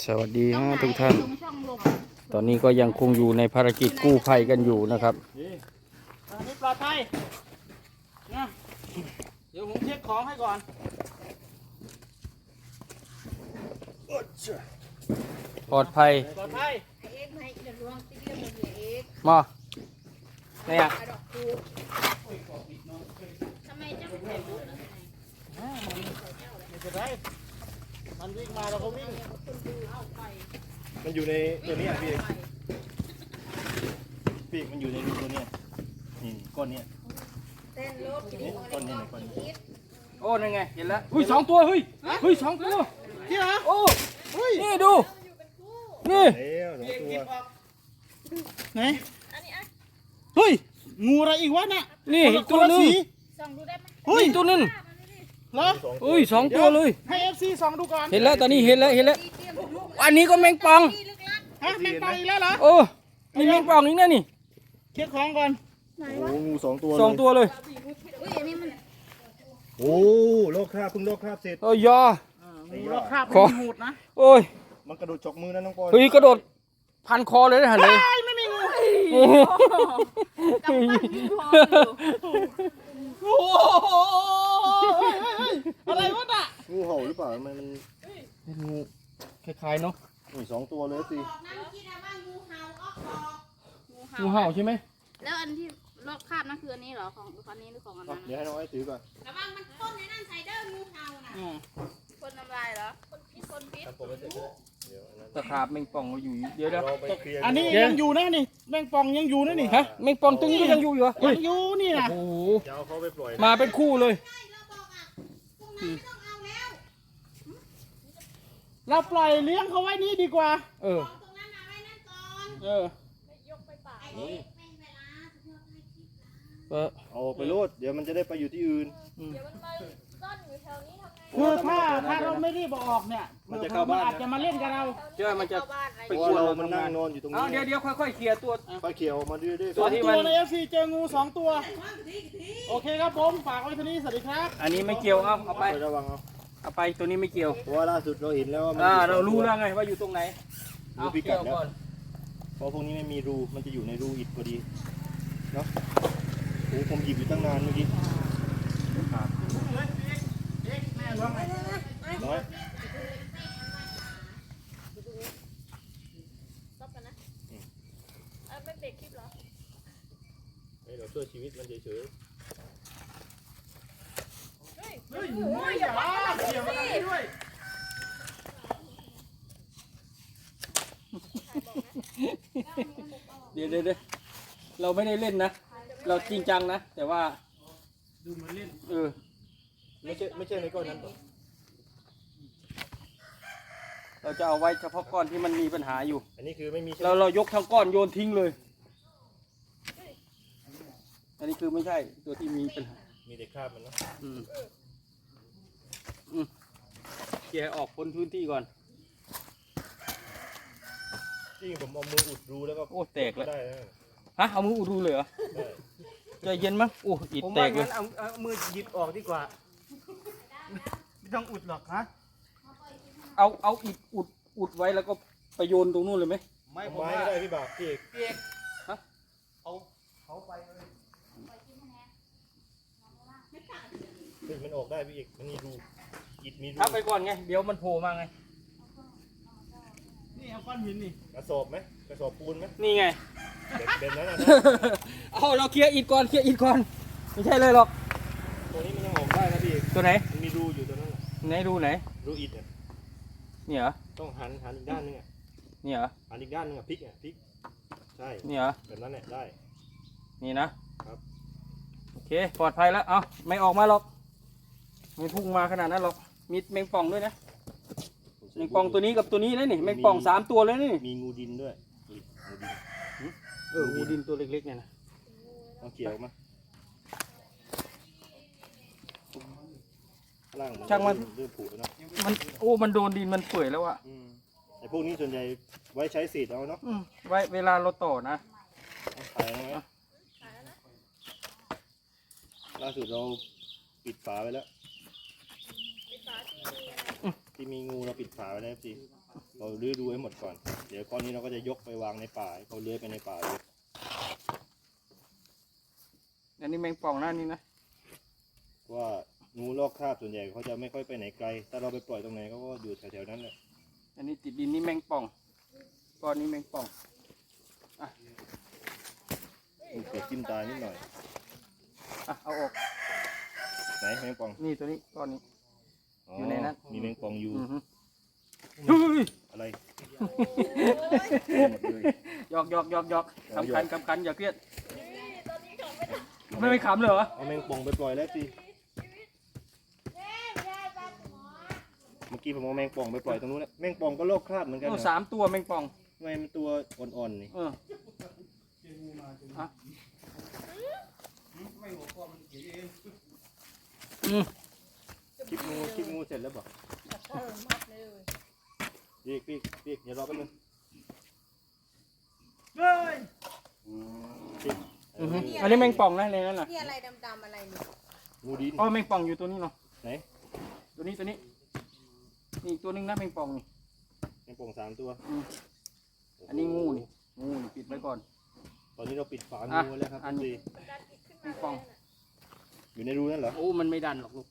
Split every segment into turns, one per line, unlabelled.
สวัสดีฮะทุกท่าน ตอนนี้ก็ยังคงอยู่ในภารกิจกู้ภัยกันอยู่นะครับ
อันนี้ปลอดภัยนะเดี๋ยวผมเช็คของให้ก่อน
ปลอดภัย
ปลอดภัย
มาเนี่ย
ไม่เป็นไรมันวิ่งมาเราก็วิ่ง
มันอยู่ในตัวนี้อ่ะพี่เอกมันอยู่ในรูตัวเนี้ยนี่ก้อนเนี้ยนี่ก้อนนี้ก้อนนี้
โอ้นั่นไงเห็นแล้วเฮ้ยสองตัวเฮ้ยสองตัว
ที่ไหน
โอ้นี่ดูนี่
แล้วสองตัว
ไหนเฮ้ยงูอะไรอีกวะน่ะ
นี่อีกตัวนึง
เฮ้ย
นี่ตัวนึง
เหรอ
เฮ้ยสองตัวเลย
ให้เอฟซีส่องดูก่อน
เห็นแล้วตอนนี้เห็นแล้วอันนี้ก็แมงป่อง
ฮะแมงป่องอีกแล้วเหรอ
โอ้นี่แมงป่องอีกนะนี่
เช็คของก่อน
โอ้งูสองตัว
สองตัวเลย
โอ้โลกคราบเพิ่งโลกคราบเสร็จ
โอ้ยอ
งูรอบคราบ
ขอ
มันหูดนะ
โอ้ย
มันกระโดดฉกมือนะน้องปอย
เฮ้ยกระโดดพันคอเลยนะเลย
ไม่มีงู
โอ้โห
โอ้โหอะไรวะน่ะ
งูเห่าหรือเปล่ามัน
เป็นงูคล้ายๆเนาะ
สองตัวเลยสิ
งูเห่าใช่ไหม
แล้วอันที่ลอกคราบนั่นคืออันนี้เหรอของอันนี้หรือของอันนั้น
เดี๋ยวให้น้องไอ้ถือก่อน
ระวังมันพ่นในนั่นใส่เด้องูเห่าน่ะพ่นน้ำลายเหรอพ่นพิษ
ตะขาบแมงป่องอยู่เดี๋ยว
เราไปเคลียร์
อันนี้ยังอยู่นะนี่แมงป่องยังอยู่นะนี่
ฮะแมงป่องตึงก็ยังอยู่เหรอ
ยังอยู่นี่นะ
โอ้โห
จะเอาเขาไปปล่อย
มาเป็นคู่เลย
เราปล่อยเลี้ยงเขาไว้นี่ดีกว่า
เออ
เออ
เอาไปโลดเดี๋ยวมันจะได้ไปอยู่ที่อื่น
คือถ้าเราไม่รีบออกเนี่ย
มันจะเข้าบ้านนะ
อาจจะมาเล่นกับเรา
เจ้ามันจะ
เพราะว่าเรามันนั่งนอนอยู่ตรง
เอา
นี้
เดี๋ยวค่อยๆเคลียร์ตัว
ไฟเขียวมาด้วย
ตัวที่
ตัวในเอฟซีเจองู2 ตัว โอเคครับผมฝากไว้ที่นี่สวัสดีครับ
อันนี้ไม่เกี่ยวเอาไป
ระวังเอา
เอาไปตัวนี้ไม่เกี่ยว
เพราะว่าล่าสุดเราเห็นแล้วว่ามัน
เรารู้แล้วไงว่าอยู่ตรงไหน
รู้พิกัด
เอา
แล้ว
ก่อน
เพราะพวกนี้ไม่มีรูมันจะอยู่ในรูอิฐพอดีเนาะโอ้ผมหยิบอยู่ตั้งนานเมื่อกี้น้อยเราช่วยชีวิตมันเฉย
เฮ้ยอย่าบ้าเกี่ยวอะไรด้วย
เดี๋ยวเราไม่ได้เล่นนะ เราจริงจังนะ แต่ว่า
ดูเหมือนเล่น
ไม่ใช่ในก้อนนั้นหรอก
เราจะเอาไว้เฉพาะก้อนที่มันมีปัญหาอยู่
อันนี้คือไม่มี
เรายกทั้งก้อนโยนทิ้งเลย อันนี้คือไม่ใช่ตัวที่มีปัญหา
มีแต่คราบมันเนาะ
เคลียร์ออกพ้นพื้นที่ก่อน
จริงผมเอามืออุดรูแล้วก็
โอ้แตกแล้ว
ได้นะ
ฮะเอามืออุดรูเลยเหรอ
ได้
ใจเย็นมั้งโอ้อิด
ผม
แต
ว่าก
เลย
งั้นเอามือหยิบออกดีกว่าไม่ต้องอุดหรอกฮะ
เอาอิดอุดไว้แล้วก็ไปโยนตรงนู้นเลยไหม
ไม่ผม
ไม้
ว่า
ก็ได้พี่บ่าวพี่เอก
เปียก
ฮะ
เอาเขาไปเลย
ซึ่งมันออกได้พี่เอกมันมีรูอิฐมีรู
ทับไปก่อนไง เดี๋ยวมันโผล่มาไง
นี่เอาก้อนหินนี่
กระสอบไหมกระสอบปูนไหม
นี่ไง
แบบนั้นนะ
เอาเราเคลียร์อิดก่อนไม่ใช่เลยหรอก
ตัวนี้มันยังออกได้นะพี่เอก
ตัวไหน
มันมีรูอยู่ตัวนั้นน่ะ
ไหนดูไหน
รูอิฐเนี่ย
เนี่ยเหรอ
ต้องหันอีกด้านนึงอ่ะ
เนี่ยเหรอ
หันอีกด้านนึงอ่ะพลิกใช่
เนี่ยเหรอ
แบบนั้นแหละได้
นี่นะครับ โอเคปลอดภัยแล้วเอาไม่ออกมาหรอกไม่พุ่งมาขนาดนั้นหรอกมีแมงป่องด้วยนะแมงป่องตัวนี้กับตัวนี้นะนี่แมงป่อง3 ตัวเลยนี่
มีงูดินด้วยงูดิน
งูดินตัวเล็กๆเนี่ยนะ
ต้องเกี่ยวมาล่างเริ่มผุแล้วเนาะ
มันโดนดินมันเปื่อยแล้วอะ
ไอ้พวกนี้ส่วนใหญ่ไว้ใช้เศษเอาเนาะ
ไว้เวลาเราต่อนะ
ขายไหมล่าสุดเราปิดฝาไว้แล้วที่มีงูเราปิดฝาไว้แล้วสิเราลื้อดูให้หมดก่อน เดี๋ยวก้อนนี้เราก็จะยกไปวางในป่าให้เขาเลื้อยไปในป่าเลย
อันนี้แมงป่องหน้านี่นะ
เพราะว่างูลอกคราบส่วนใหญ่เขาจะไม่ค่อยไปไหนไกล ถ้าเราไปปล่อยตรงไหนเขาก็อยู่แถวๆนั้นแหละ
อันนี้ติดดินนี่แมงป่องก้อนนี้แมงป่อง
เกิดจิ้มตานิดหน่อย
อ่ะเอาออก
ไหนแมงป่อง
นี่ตัวนี้ก้อนนี้ อยู่ในนั้น
มีแมงป่องอยู่
อือฮึเฮ้ย
อะไร
หยอก
เอา
สำ
หย
คั
อ
ญ
ก
สำคัญอย่าเครียด
ตอนนี้เขาไม่ท
ไม่ขำเลยเหรอ
เอาแมงป่องไปปล่อยแล้วสิ
ำไม่ได้ปลาหมอ
เมื่อกี้ผมเอาแมงป่องไปปล่อยตรงนู้นแล้วแมงป่องก็ลอกคราบเหมือนกัน
โอ้
นะ
3 ตัวแมงป่อง
ทำไมมันตัวอ่อนๆนี่
เอออ่ะอืม
คลิปงูเสร็จแล้วบอกปีกเดี๋ยวรอแป๊บนึง
เฮ้ย
ปีก
อือฮึอันนี้แมงป่องนะในนั้นน่ะ
นี่อะไรดำๆอะไรนี่
งูดิน
อ๋อแมงป่องอยู่ตัวนี้เนาะ
ไหน
ตัวนี้นี่อีกตัวหนึงนะแมงป่องนี่
แมงป่อง3 ตัว
อันนี้งูนี่ปิดไว้ก่อน
ตอนนี้เราปิดฝา
อ่ะ
งูแล้วครับ
อันนี้ แมงป่อง
อยู่ในรูนั่นเหรอ
โอ้มันไม่ดันหรอกลูก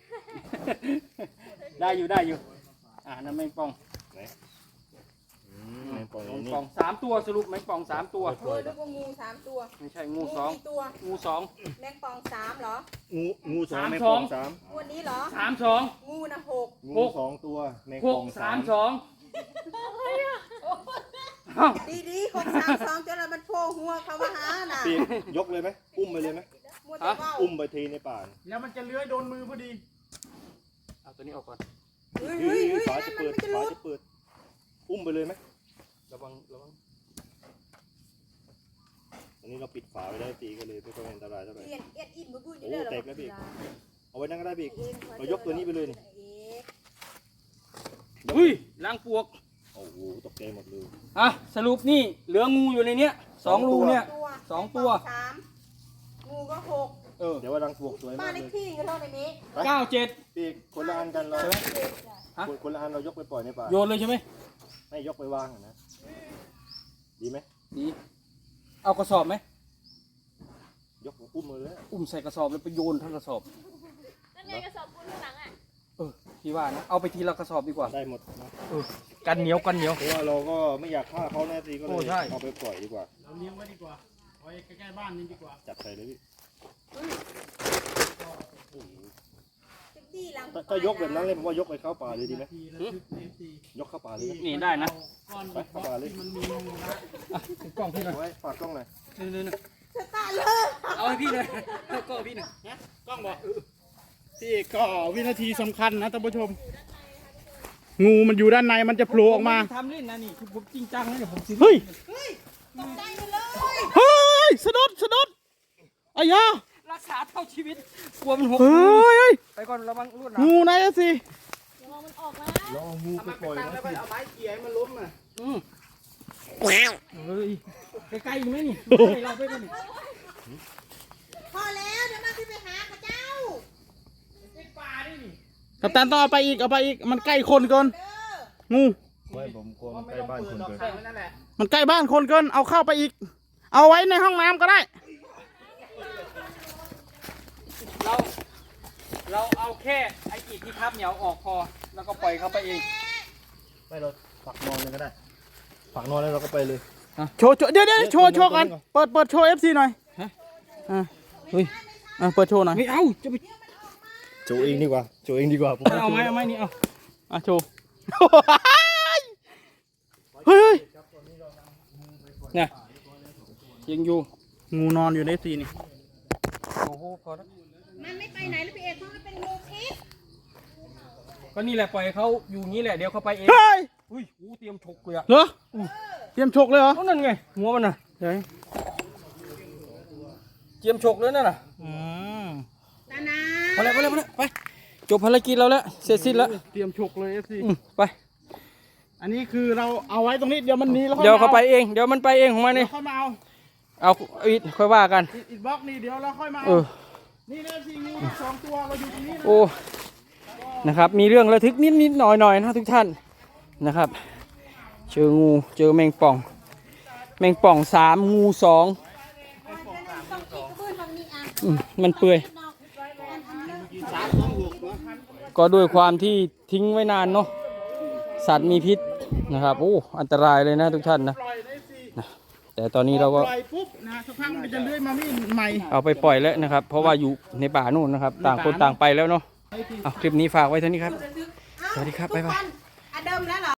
ได้อยู่นั่นแมงป่อง
ไหนแมงป่องอ
แม
ยู่
ง
นี่
ป่อง3 ตัวสรุปแมงป่อง3 ตัว
โอ้ยนึกว่างู3 ตัว
ไม่ใช่งู
กี่ตัว
2งู2
แมงปอง3เหรอ
งูสอง
3
แมงป่อง
2
3
งวดนี้เหรอ
3 2
งูนะ6
งู2 ตัวแมงป่อง
6 3
3
2อ้าว
ดีๆ6 3 2จนเรามันโผล่หัวเขามาหาน่ะ
ปีกยกเลยไหมอุ้มไปเลยไหม
มัวแต่ว่าว
อุ้มไปเทในป่า
แล้วมันจะเลื้อยโดนมือพอดี
เอาตัวนี้ออกก่อน
เฮ้ย
เฮ้
เฮ้
ย
ย
ฝา
นั่
จะ
นมัน
เปิด
ไม่จะ
ฝา
รู้
จะเปิดอุ้มไปเลยไหม
ระวัง
ตอนนี้เราปิดฝาไว้ได้ตีก็เลยไม่ค่อยอันตรายเท่าไหร่
เอียนเอียดอินบุ้ย
โอ้เต็มแล้วพี่ เอาไว้นั่งก็ได้ปีก เรายกตัวนี้ไปเลยนี่
อุ้ยล้างปวก
โอ้โหตกใจหมดเลย
อ่ะสรุปนี่เหลืองูอยู่ในเนี้ย2 รูเนี่ย 2 ตัว
3งูก็6
เออ
เดี๋ยวว่ารังปลวกสวย
บ้าม
าน ก
เล
เล
ข
ย
ที่ก็เท่าในนี้
97
ปีกคนละอันกันเรา
ใช่ไหม ฮะ
คนละอันเรายกไปปล่อยในป่า
โยนเลยใช่ไหม
ไม่ยกไปวางอะนะดีไหม
ดีเอากระสอบไหม
ยกอุ้มมือเลย
อุ้มใส่กระสอบแล้วไปโยนทั้งกระสอบ
นั่นไงกระสอบปูนข้างหลังอ่ะ
พี่ว่านะเอาไปทีละกระสอบดีกว่า
ได้หมดนะ
กันเหนียว
เพราะว่าเราก็ไม่อยากฆ่าเขาแน่ทีก็เล
โอ้
ย
ใช่
เอาไปปล่อยดีกว่า
เราเลี้ยงไว้ดีกว่าไว้ใกล้ๆบ้านนี่ดีกว่า
จับใส่เลยพี่
ดีหลัง
ถ้ายกแบบนั้นเลยผมว่ายกไปเข้าป่าเลยดีไหม
ทีละทึกเอฟซี
ยกเข้าป่าเลยนะ
นี่ได้นะ
ก้อนบิ๊กบ็อกซ์ที่มันมีงูนะ
กล้องพี่หน่อย
เอาไว้ฝากกล้องหน่อย
นี่
สตาร์เลย
เอาให้พี่หน่อยเอากล้องพี่หน่อย
นะกล้องบอกที่ก็วินาทีสำคัญนะท่านผู้ชม งูมันอยู่ด้านในมันจะโผล่ออกมา
ทำเล่นนะนี่คือผมจริงจังนะเนี่ยผมซี
เฮ้ย
ตกใจหมดเลย
เฮ้ยสะดุดอายา
รักษาเท่าชีวิตกลัวมันหก
เฮ้ย
ไปก่อนระวังรวดหนาม
งูนะเอฟซี
เราเอางูไปปล่อยนะพี่
เอาไม้เกี่ยมันล้มอ่ะ
เฮ้ยใกล้ๆอีกไหมนี่ใกล้เราไปกันนี่
พอแล้วเดี๋ยวมาที่ไปหาข้าเจ้า
กัปตันต้องเอาไปอีกมันใกล้คนเกิน
เด้อ
งู
ไม่ผมกลัวมันใกล้บ้านคนเกิน
มันใกล้บ้านคนเกินเอาเข้าไปอีก เอาไว้ในห้องน้ำก็ได้
เราเอาแค่ไอ้อิฐที่ทับเหนียวออกพอแล้วก็ปล่อยเขาไปเอง
ไม่เราฝักนอนเลยก็ได้ฝักนอนแล้วเราก็ไปเลย
โชว์เดี๋ยวโชว์กันเปิดโชว์ FC หน่อย
ฮะ
เฮ้ยเปิดโชว์หน่อย
ไม่เอาจะไป
โจเองดีกว่าโจเองดีกว่าผม
เอาไหมนี่เอา
โชว์เฮ้ย
เนี่ยยังอยู่
งูนอนอยู่ใน FC นี่
โอ้โหพอแล้ว
มันไม่ไปไหนแล้วพี่เอกเพราะมันเป็นงูพิษ
ก็นี่แหละปล่อยเขาอยู่งี้แหละเดี๋ยวเขาไปเอง
เฮ้ย
อุ้ยเตรียมฉกเลยอะ
เหรอเตรียมฉกเลยเหรอ
นั่นไงหัวมันน่ะ
เฮ้ย
เตรียมฉกเลยนั่นน่ะ
นานา
ไปไปจบภารกิจเราแล้วเสร็จสิ้นแล้ว
เตรียมฉกเลย FC
ไป
อันนี้คือเราเอาไว้ตรงนี้เดี๋ยวมันหนีแล้ว
เดี๋ยวเขาไปเองเดี๋ยวมันไปเองของมัน
เดี๋
นี่
ยวค่อยมาเอา
เอาอิฐค่อยว่ากัน
อีกบล็อกนี่เดี๋ยวเราค่อยมา
เอ
เอา
อ
นี่นะสิงูทั้งสองตัวเราอยู่ตรงนี้นะ
โอ้นะครับมีเรื่องระทึกนิดหน่อยนะทุกท่านนะครับเจองูเจอแมงป่อง แมงป่อง3งู2มันเปื่อยก็ด้วยความที่ทิ้งไว้นานเนาะสัตว์มีพิษนะครับโอ้อันตรายเลยนะทุกท่านนะ
ปล่อยได้สิ
แต่ตอนนี้เราก็
ปล่อยปุ๊บนะสักพักมันจะเลื้อยมาไม่ใหม่
เอาไปปล่อยแล้วนะครับ เพราะว่าอยู่ในป่านู่นนะครับ ต่างคนต่างไปแล้วเนาะเอาคลิปนี้ฝากไว้เท่านี้ครับ สวัสดีครับบ๊ายบาย
อะเดิมแล้วเหรอ